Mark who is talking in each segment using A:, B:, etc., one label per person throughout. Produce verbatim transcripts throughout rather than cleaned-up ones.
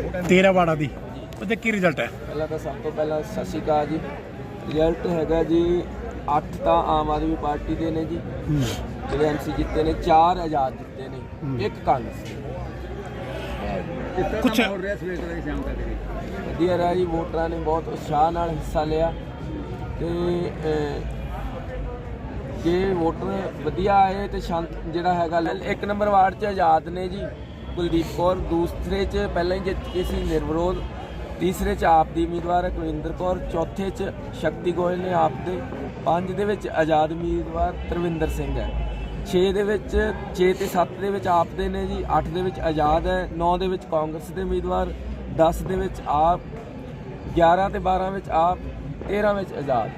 A: तेरह वार्डा दी ਉਹਦੇ ਕੀ ਰਿਜ਼ਲਟ ਹੈ?
B: ਪਹਿਲਾਂ ਤਾਂ ਸਭ ਤੋਂ ਪਹਿਲਾਂ ਸਤਿ ਸ਼੍ਰੀ ਅਕਾਲ ਜੀ। ਰਿਜ਼ਲਟ ਹੈਗਾ ਜੀ ਅੱਠ ਤਾਂ ਆਮ ਆਦਮੀ ਪਾਰਟੀ ਦੇ ਨੇ ਜੀ ਜਿਹੜੇ ਐਮਸੀ ਜਿੱਤੇ ਨੇ, ਚਾਰ ਆਜ਼ਾਦ ਜਿੱਤੇ ਨੇ, ਇੱਕ ਕਾਂਗਰਸ।
A: ਕੁਛ
B: ਵਧੀਆ ਰਿਹਾ ਜੀ, ਵੋਟਰਾਂ ਨੇ ਬਹੁਤ ਉਤਸ਼ਾਹ ਨਾਲ ਹਿੱਸਾ ਲਿਆ ਤੇ ਜੇ ਵੋਟਰ ਵਧੀਆ ਆਏ ਤੇ ਸ਼ਾਂਤ ਜਿਹੜਾ ਹੈਗਾ। ਇੱਕ ਨੰਬਰ ਵਾਰਡ 'ਚ ਆਜ਼ਾਦ ਨੇ ਜੀ ਕੁਲਦੀਪ ਕੌਰ, ਦੂਸਰੇ 'ਚ ਪਹਿਲਾਂ ਹੀ ਜਿੱਤ ਕੇ ਸੀ ਨਿਰਵਿਰੋਧ, ਤੀਸਰੇ 'ਚ ਆਪ ਦੀ ਉਮੀਦਵਾਰ ਹੈ ਕੁਲਵਿੰਦਰ ਕੌਰ, ਚੌਥੇ 'ਚ ਸ਼ਕਤੀ ਗੋਇਲ ਨੇ ਆਪ ਦੇ, ਪੰਜ ਦੇ ਵਿੱਚ ਆਜ਼ਾਦ ਉਮੀਦਵਾਰ ਤਰਵਿੰਦਰ ਸਿੰਘ ਹੈ, ਛੇ ਦੇ ਵਿੱਚ ਛੇ ਤੇ ਸੱਤ ਦੇ ਵਿੱਚ ਆਪ ਦੇ ਨੇ ਜੀ, ਅੱਠ ਦੇ ਵਿੱਚ ਆਜ਼ਾਦ ਹੈ, ਨੌ ਦੇ ਵਿੱਚ ਕਾਂਗਰਸ ਦੇ ਉਮੀਦਵਾਰ, ਦਸ ਦੇ ਵਿੱਚ ਆਪ, ਗਿਆਰਾਂ ਤੇ ਬਾਰਾਂ ਵਿੱਚ ਆਪ, ਤੇਰਾਂ ਵਿੱਚ ਆਜ਼ਾਦ।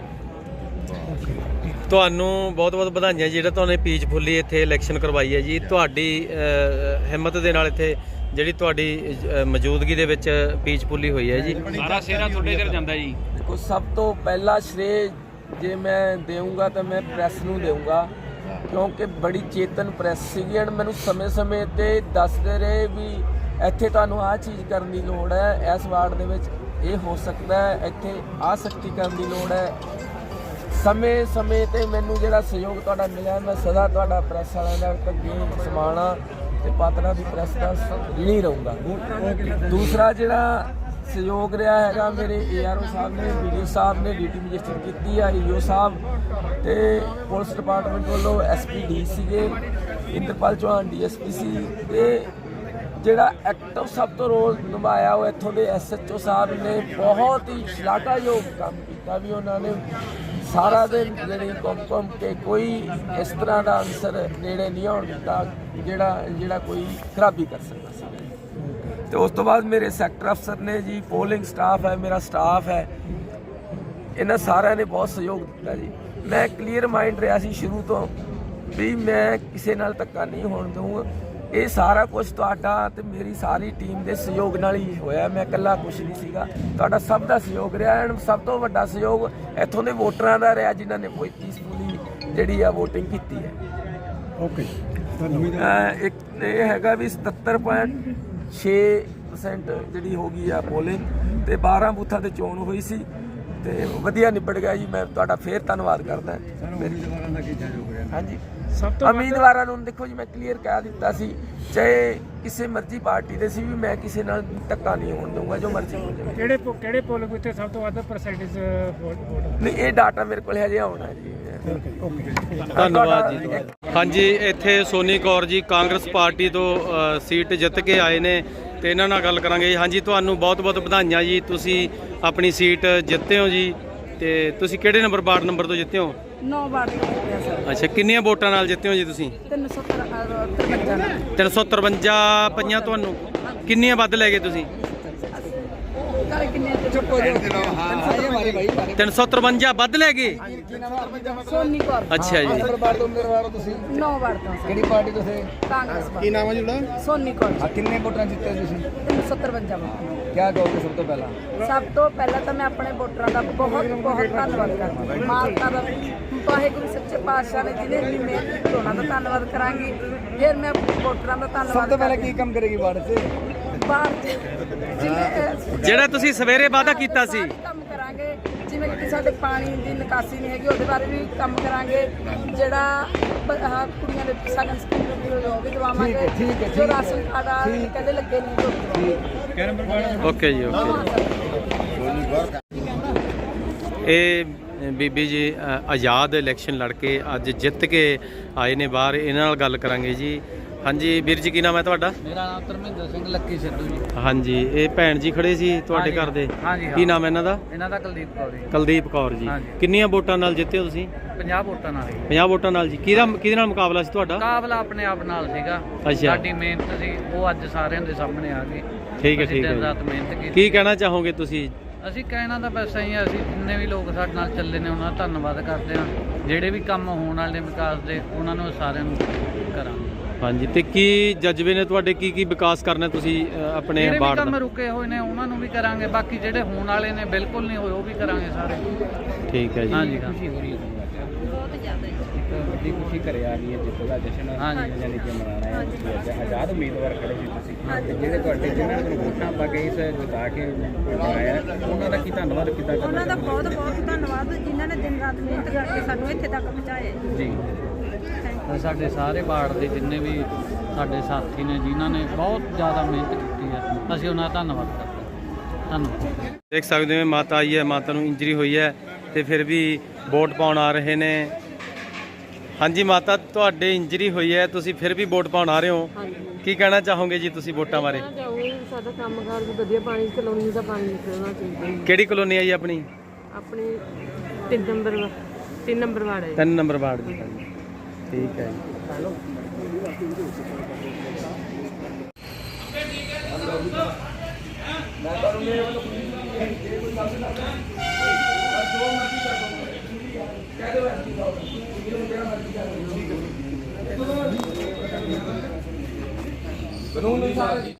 C: ਤੁਹਾਨੂੰ ਬਹੁਤ ਬਹੁਤ ਵਧਾਈਆਂ ਜਿਹੜਾ ਤੁਹਾਨੂੰ ਪੀਚਫੁੱਲੀ ਇੱਥੇ ਇਲੈਕਸ਼ਨ ਕਰਵਾਈ ਹੈ ਜੀ। ਤੁਹਾਡੀ ਹਿੰਮਤ ਦੇ ਨਾਲ ਇੱਥੇ ਜਿਹੜੀ ਤੁਹਾਡੀ ਮੌਜੂਦਗੀ ਦੇ ਵਿੱਚ ਪੀਚਫੁੱਲੀ ਹੋਈ ਹੈ ਜੀ।
D: ਸਾਰਾ ਸਿਹਰਾ ਤੁਹਾਡੇ ਸਿਰ ਜਾਂਦਾ ਜੀ।
B: ਦੇਖੋ ਸਭ ਤੋਂ ਪਹਿਲਾ ਸ਼੍ਰੇ ਜੇ ਮੈਂ ਦੇਵਾਂਗਾ ਤਾਂ ਮੈਂ ਪ੍ਰੈਸ ਨੂੰ ਦੇਵਾਂਗਾ, ਕਿਉਂਕਿ ਬੜੀ ਚੇਤਨ ਪ੍ਰੈਸ ਸੀਗੀ ਐਂਡ ਮੈਨੂੰ ਸਮੇਂ-ਸਮੇਂ ਤੇ ਦੱਸਦੇ ਰਹੇ ਵੀ ਇੱਥੇ ਤੁਹਾਨੂੰ ਆਹ ਚੀਜ਼ ਕਰਨ ਦੀ ਲੋੜ ਹੈ, ਇਸ ਵਾਰਡ ਦੇ ਵਿੱਚ ਇਹ ਹੋ ਸਕਦਾ ਹੈ, ਇੱਥੇ ਆਹ ਸਖਤੀ ਕਰਨ ਦੀ ਲੋੜ ਹੈ। ਸਮੇਂ ਸਮੇਂ ਤੇ ਮੈਨੂੰ ਜਿਹੜਾ ਸਹਿਯੋਗ ਤੁਹਾਡਾ ਮਿਲਿਆ, ਮੈਂ ਸਦਾ ਤੁਹਾਡਾ ਪ੍ਰੈਸ ਵਾਲਿਆਂ ਦਾ ਅੱਗੇ ਸਮਾਣਾ ਤੇ ਪਾਤੜਾ ਦੀ ਪ੍ਰੈਸ ਦਾ ਨਹੀਂ ਰਹੂੰਗਾ। ਦੂਸਰਾ ਜਿਹੜਾ ਸਹਿਯੋਗ ਰਿਹਾ ਹੈਗਾ ਮੇਰੇ ਏ ਆਰ ਓ ਸਾਹਿਬ ਨੇ, ਬੀ ਡੀ ਓ ਸਾਹਿਬ ਨੇ ਡਿਊਟੀ ਰਜਿਸਟਰ ਕੀਤੀ ਆ, ਈ ਓ ਸਾਹਿਬ ਤੇ ਪੁਲਿਸ ਡਿਪਾਰਟਮੈਂਟ ਵੱਲੋਂ ਐਸ ਪੀ ਡੀ ਸੀਗੇ, Inderpal Chauhan D S P ਸੀ, ਤੇ ਜਿਹੜਾ ਐਕਟਿਵ ਸਭ ਤੋਂ ਰੋਲ ਨਿਭਾਇਆ ਉਹ ਇੱਥੋਂ ਦੇ ਐਸ ਐਚ ਓ ਸਾਹਿਬ ਨੇ ਬਹੁਤ ਹੀ ਸ਼ਲਾਘਾਯੋਗ ਕੰਮ ਕੀਤਾ ਵੀ ਉਹਨਾਂ ਨੇ ਸਾਰਾ ਦਿਨ ਜਿਹੜੀ ਘੁੰਮ ਘੁੰਮ ਕੇ ਕੋਈ ਇਸ ਤਰ੍ਹਾਂ ਦਾ ਅਨਸਰ ਨੇੜੇ ਨਹੀਂ ਆਉਣ ਦਿੱਤਾ ਜਿਹੜਾ ਜਿਹੜਾ ਕੋਈ ਖਰਾਬੀ ਕਰ ਸਕਦਾ ਸੀ। ਤੇ ਉਸ ਤੋਂ ਬਾਅਦ ਮੇਰੇ ਸੈਕਟਰ ਅਫਸਰ ਨੇ ਜੀ, ਪੋਲਿੰਗ ਸਟਾਫ ਹੈ, ਮੇਰਾ ਸਟਾਫ ਹੈ, ਇਹਨਾਂ ਸਾਰਿਆਂ ਨੇ ਬਹੁਤ ਸਹਿਯੋਗ ਦਿੱਤਾ ਜੀ। ਮੈਂ ਕਲੀਅਰ ਮਾਈਂਡ ਰਿਹਾ ਸੀ ਸ਼ੁਰੂ ਤੋਂ ਵੀ ਮੈਂ ਕਿਸੇ ਨਾਲ ਧੱਕਾ ਨਹੀਂ ਹੋਣ ਦਊਂਗਾ। ਇਹ ਸਾਰਾ ਕੁਝ ਤੁਹਾਡਾ ਤੇ ਮੇਰੀ ਸਾਰੀ ਟੀਮ ਦੇ ਸਹਿਯੋਗ ਨਾਲ ਹੀ ਹੋਇਆ, ਮੈਂ ਇਕੱਲਾ ਕੁਛ ਨਹੀਂ ਸੀਗਾ, ਤੁਹਾਡਾ ਸਭ ਦਾ ਸਹਿਯੋਗ ਰਿਹਾ ਐਂਡ ਸਭ ਤੋਂ ਵੱਡਾ ਸਹਿਯੋਗ ਇੱਥੋਂ ਦੇ ਵੋਟਰਾਂ ਦਾ ਰਿਹਾ ਜਿਨ੍ਹਾਂ ਨੇ ਕੋਈ ਪੀਸਫੁਲੀ ਜਿਹੜੀ ਆ ਵੋਟਿੰਗ ਕੀਤੀ ਹੈ।
A: ਓਕੇ
B: ਇੱਕ ਇਹ ਹੈਗਾ ਵੀ ਸਤੱਤਰ ਪੁਆਇੰਟ ਛੇ ਪਰਸੈਂਟ ਜਿਹੜੀ ਹੋ ਗਈ ਆ ਪੋਲਿੰਗ ਤੇ ਬਾਰਾਂ ਬੂਥਾਂ ਤੇ ਚੋਣ ਹੋਈ ਸੀ ਤੇ ਵਧੀਆ ਨਿਬੜ ਗਿਆ ਜੀ। ਮੈਂ ਤੁਹਾਡਾ ਫੇਰ ਧੰਨਵਾਦ ਕਰਦਾ। ਹਾਂਜੀ ਸਭ ਤੋਂ ਉਮੀਦਵਾਰਾਂ ਨੂੰ ਦੇਖੋ ਜੀ, ਮੈਂ ਕਲੀਅਰ ਕਹਿ ਦਿੱਤਾ ਸੀ ਚਾਹੇ ਕਿਸੇ ਮਰਜ਼ੀ ਪਾਰਟੀ ਦੇ ਸੀ ਵੀ ਮੈਂ ਕਿਸੇ ਨਾਲ ਧੱਕਾ ਨਹੀਂ ਹੋਣ ਦਊਂਗਾ, ਜੋ ਮਰਜ਼ੀ ਹੋ ਜਾਵੇ।
A: ਕਿਹੜੇ ਕਿਹੜੇ ਪੋਲਿੰਗ ਬੂਥ ਤੇ ਸਭ ਤੋਂ ਵੱਧ ਪਰਸੈਂਟੇਜ ਵੋਟ?
B: ਨਹੀਂ ਇਹ ਡਾਟਾ ਮੇਰੇ ਕੋਲ ਹਜੇ ਆਉਣਾ ਜੀ।
C: ਧੰਨਵਾਦ ਜੀ। ਹਾਂਜੀ ਇੱਥੇ ਸੋਨੀ ਕੌਰ ਜੀ ਕਾਂਗਰਸ ਪਾਰਟੀ ਤੋਂ ਸੀਟ ਜਿੱਤ ਕੇ ਆਏ ਨੇ ਤੇ ਇਹਨਾਂ ਨਾਲ ਗੱਲ ਕਰਾਂਗੇ। ਹਾਂਜੀ ਤੁਹਾਨੂੰ ਬਹੁਤ ਬਹੁਤ ਵਧਾਈਆਂ ਜੀ, ਤੁਸੀਂ ਆਪਣੀ ਸੀਟ ਜਿੱਤੇ ਹੋ ਜੀ। ਤੇ ਤੁਸੀਂ ਕਿਹੜੇ ਨੰਬਰ ਵਾਰਡ ਨੰਬਰ ਤੋਂ ਜਿੱਤੇ ਹੋ?
E: ਨੌ ਵਾਰਡ ਤੋਂ ਜਿੱਤੇ ਸਰ।
C: ਅੱਛਾ ਕਿੰਨੀਆਂ ਵੋਟਾਂ ਨਾਲ ਜਿੱਤੇ ਹੋ ਜੀ ਤੁਸੀਂ?
E: ਤਿੰਨ ਸੌ ਤਰਵੰਜਾ
C: ਤਿੰਨ ਸੌ ਤਰਵੰਜਾ ਪਈਆਂ ਤੁਹਾਨੂੰ। ਕਿੰਨੀਆਂ ਵੱਧ ਲੈ ਗਏ ਤੁਸੀਂ? ਤਿੰਨ ਸੌ ਤਰਵੰਜਾ ਵੱਧ ਲੈ ਗਏ।
E: ਸੋਨੀ ਕੌਰ।
C: ਅੱਛਾ ਜੀ।
E: ਨੌ ਵਾਰਡ ਤੋਂ।
F: ਕਿਹੜੀ ਪਾਰਟੀ ਤੁਸੀਂ?
E: ਕਾਂਗਰਸ।
F: ਕੀ ਨਾਮ ਹੈ ਜਿਹੜਾ?
E: ਸੋਨੀ ਕੌਰ।
F: ਆ ਕਿੰਨੇ ਵੋਟਾਂ ਜਿੱਤੇ ਤੁਸੀਂ?
E: ਤਿੰਨ ਸੌ ਤਰਵੰਜਾ ਵੋਟ।
F: ਕੀ ਕਹੋਗੇ ਸਭ ਤੋਂ ਪਹਿਲਾਂ?
E: ਸਭ ਤੋਂ ਪਹਿਲਾਂ ਤਾਂ ਮੈਂ ਆਪਣੇ ਵੋਟਰਾਂ ਦਾ ਬਹੁਤ ਬਹੁਤ ਧੰਨਵਾਦ ਕਰਦੀ। ਮਾਤਾ ਦਾ ਵਾਹਿਗੁਰੂ ਸੱਚੇ ਪਾਤਸ਼ਾਹ ਨੇ ਜਿਹਨੇ ਇੰਨੀ ਮਿਹਨਤ ਕੀਤੀ ਉਹਨਾਂ ਦਾ ਧੰਨਵਾਦ ਕਰਾਂਗੀ। ਫਿਰ ਮੈਂ ਵੋਟਰਾਂ ਦਾ ਧੰਨਵਾਦ।
F: ਸਭ ਤੋਂ ਪਹਿਲਾਂ ਕੀ ਕੰਮ ਕਰੇਗੀ ਵਾਰਡ 'ਚ?
E: ਵਾਰਡ 'ਚ ਜਿਵੇਂ
C: ਜਿਹੜਾ ਤੁਸੀਂ ਸਵੇਰੇ ਵਾਅਦਾ ਕੀਤਾ ਸੀ
E: ਕੰਮ ਕਰਾਂਗੇ, ਜਿਵੇਂ ਕਿ ਸਾਡੇ ਪਾਣੀ ਦੀ ਨਿਕਾਸੀ ਨਹੀਂ ਹੈਗੀ ਉਹਦੇ ਬਾਰੇ ਵੀ ਕੰਮ ਕਰਾਂਗੇ, ਜਿਹੜਾ ਕੁੜੀਆਂ ਦੇ ਸਗਨ ਸਕੀਮ ਉਹ ਵੀ ਦਵਾਵਾਂਗੇ, ਜੋ ਰਾਸ਼ਨ ਕਾਰਡ ਕਹਿੰਦੇ ਲੱਗੇ ਨਹੀਂ।
C: ਓਕੇ ਜੀ ਓਕੇ। ਇਹ ਬੀਬੀ ਜੀ ਆਜ਼ਾਦ ਇਲੈਕਸ਼ਨ ਲੜ ਕੇ ਅੱਜ ਜਿੱਤ ਕੇ ਆਏ ਨੇ ਬਾਹਰ, ਇਹਨਾਂ ਨਾਲ ਗੱਲ ਕਰਾਂਗੇ ਜੀ। ਹਾਂਜੀ ਵੀਰ ਜੀ ਕੀ ਨਾਮ ਹੈ ਤੁਹਾਡਾ?
D: ਮੇਰਾ ਨਾਮ ਧਰਮਿੰਦਰ ਸਿੰਘ ਲੱਕੀ ਸਿੱਧੂ ਜੀ।
C: ਹਾਂਜੀ ਇਹ ਭੈਣ ਜੀ ਖੜੇ ਸੀ ਤੁਹਾਡੇ ਘਰ ਦੇ, ਕੀ ਨਾਮ ਹੈ ਇਹਨਾਂ ਦਾ?
D: ਇਹਨਾਂ ਦਾ ਕੁਲਦੀਪ ਕੌਰ ਜੀ।
C: ਕੁਲਦੀਪ ਕੌਰ ਜੀ। ਕਿੰਨੀਆਂ ਵੋਟਾਂ ਨਾਲ ਜਿੱਤੇ ਹੋ ਤੁਸੀਂ?
D: ਪੰਜਾਹ ਵੋਟਾਂ ਨਾਲ।
C: ਪੰਜਾਹ ਵੋਟਾਂ ਨਾਲ ਜੀ। ਕਿਹਦਾ ਕਿਹਦੇ ਨਾਲ ਮੁਕਾਬਲਾ ਸੀ ਤੁਹਾਡਾ?
D: ਮੁਕਾਬਲਾ ਆਪਣੇ ਆਪ ਨਾਲ ਸੀਗਾ। ਸਾਡੀ ਮਿਹਨਤ ਸੀ ਉਹ ਅੱਜ ਸਾਰਿਆਂ ਦੇ ਸਾਹਮਣੇ ਆ ਗਈ।
C: ਠੀਕ ਹੈ ਠੀਕ ਹੈ।
D: ਦਿਨ ਰਾਤ ਮਿਹਨਤ ਕੀਤੀ।
C: ਕੀ ਕਹਿਣਾ ਚਾਹੋਗੇ ਤੁਸੀਂ?
D: ਅਸੀਂ ਕਹਿਣਾ ਤਾਂ ਬਸ ਇਹੀ ਆ, ਅਸੀਂ ਜਿੰਨੇ ਵੀ ਲੋਕ ਸਾਡੇ ਨਾਲ ਚੱਲੇ ਨੇ ਉਹਨਾਂ ਦਾ ਧੰਨਵਾਦ ਕਰਦੇ ਹਾਂ। ਜਿਹੜੇ ਵੀ ਕੰਮ ਹੋਣ ਵਾਲੇ ਵਿਕਾਸ ਦੇ ਉਹਨਾਂ ਨੂੰ ਸਾਰਿਆਂ ਨੂੰ ਕਰਾਂਗੇ। ਹਾਂਜੀ
C: ਤੇ ਕੀ ਜਜ਼ਬੇ ਨੇ ਤੁਹਾਡੇ, ਕੀ ਕੀ ਵਿਕਾਸ ਕਰਨਾ ਤੁਸੀਂ ਆਪਣੇ
D: ਵਾਰਡ ਦਾ?
C: ਜਿਹੜੇ
D: ਕੰਮ ਰੁਕੇ ਹੋਏ ਨੇ ਉਹਨਾਂ ਨੂੰ ਵੀ ਕਰਾਂਗੇ, ਬਾਕੀ ਜਿਹੜੇ ਹੋਣ ਵਾਲੇ ਨੇ ਬਿਲਕੁਲ ਨਹੀਂ ਹੋਏ ਉਹ ਵੀ ਕਰਾਂਗੇ ਸਾਰੇ।
C: ਠੀਕ ਹੈ ਜੀ।
D: ਹਾਂਜੀ ਖੁਸ਼ੀ ਹੋ ਰਹੀ ਹੈ ਬਹੁਤ ਜ਼ਿਆਦਾ।
G: ਵੱਡੀ ਖੁਸ਼ੀ ਘਰੇ ਆ ਗਈ ਹੈ, ਜਿੱਤ ਦਾ ਜਸ਼ਨ
D: ਹਾਂਜੀ।
G: ਯਾਨੀ ਕਿ ਮਨਾਉਣਾ ਹੈ ਤੁਸੀਂ ਅੱਜ ਆਜ਼ਾਦ ਉਮੀਦਵਾਰ ਖੜੇ ਸੀ ਤੁਸੀਂ ਤੇ ਜਿਹੜੇ ਤੁਹਾਡੇ ਜਿਨ੍ਹਾਂ ਨੇ ਵੋਟਾਂ ਪਾ ਕੇ ਇਸ ਜਿਤਾ ਕੇ ਬਣਾਇਆ ਉਹਨਾਂ ਦਾ ਕੀ ਧੰਨਵਾਦ ਕਿੱਦਾਂ ਕਰਨਾ
H: ਉਹਨਾਂ ਦਾ
G: ਚਾਹੁੰਦੇ
H: ਬਹੁਤ ਬਹੁਤ ਧੰਨਵਾਦ ਜਿਨ੍ਹਾਂ ਨੇ ਦਿਨ ਰਾਤ ਮਿਹਨਤ ਕਰਕੇ ਸਾਨੂੰ ਇੱਥੇ ਤੱਕ ਪਹੁੰਚਾਇਆ ਹੈ।
G: ਜੀ?
D: ਤੇ ਸਾਡੇ ਸਾਰੇ ਵਾਰਡ ਦੇ ਜਿੰਨੇ ਵੀ ਸਾਡੇ ਸਾਥੀ ਨੇ ਜਿਨ੍ਹਾਂ ਨੇ ਬਹੁਤ ਜ਼ਿਆਦਾ ਮਿਹਨਤ ਕੀਤੀ ਹੈ, ਅਸੀਂ ਉਹਨਾਂ ਦਾ ਧੰਨਵਾਦ ਕਰਦੇ ਹਾਂ। ਧੰਨਵਾਦ।
C: ਦੇਖ ਸਕਦੇ ਹੋ ਮਾਤਾ ਆਈ ਹੈ, ਮਾਤਾ ਨੂੰ ਇੰਜਰੀ ਹੋਈ ਹੈ ਤੇ ਫਿਰ ਵੀ ਵੋਟ ਪਾਉਣ ਆ ਰਹੇ ਨੇ। ਹਾਂਜੀ ਮਾਤਾ, ਤੁਹਾਡੇ ਇੰਜਰੀ ਹੋਈ ਹੈ, ਤੁਸੀਂ ਫਿਰ ਵੀ ਵੋਟ ਪਾਉਣ ਆ ਰਹੇ ਹੋ, ਕੀ ਕਹਿਣਾ ਚਾਹੋਗੇ ਜੀ ਤੁਸੀਂ ਵੋਟਾਂ ਬਾਰੇ?
I: ਸਾਡਾ ਕੰਮਕਾਰ ਵੀ ਵਧੀਆ, ਪਾਣੀ ਕਲੋਨੀ ਦਾ ਪਾਣੀ ਨਿਕਲਣਾ ਚਾਹੀਦਾ।
C: ਕਿਹੜੀ ਕਲੋਨੀ ਹੈ ਜੀ ਆਪਣੀ?
I: ਆਪਣੀ ਤਿੰਨ ਨੰਬਰ ਤਿੰਨ ਨੰਬਰ ਵਾਰਡ ਹੈ।
C: ਤਿੰਨ ਨੰਬਰ ਵਾਰਡ ਦੀ। ਠੀਕ ਹੈ
B: ਕਾਨੂੰਨ ਅਨੁਸਾਰ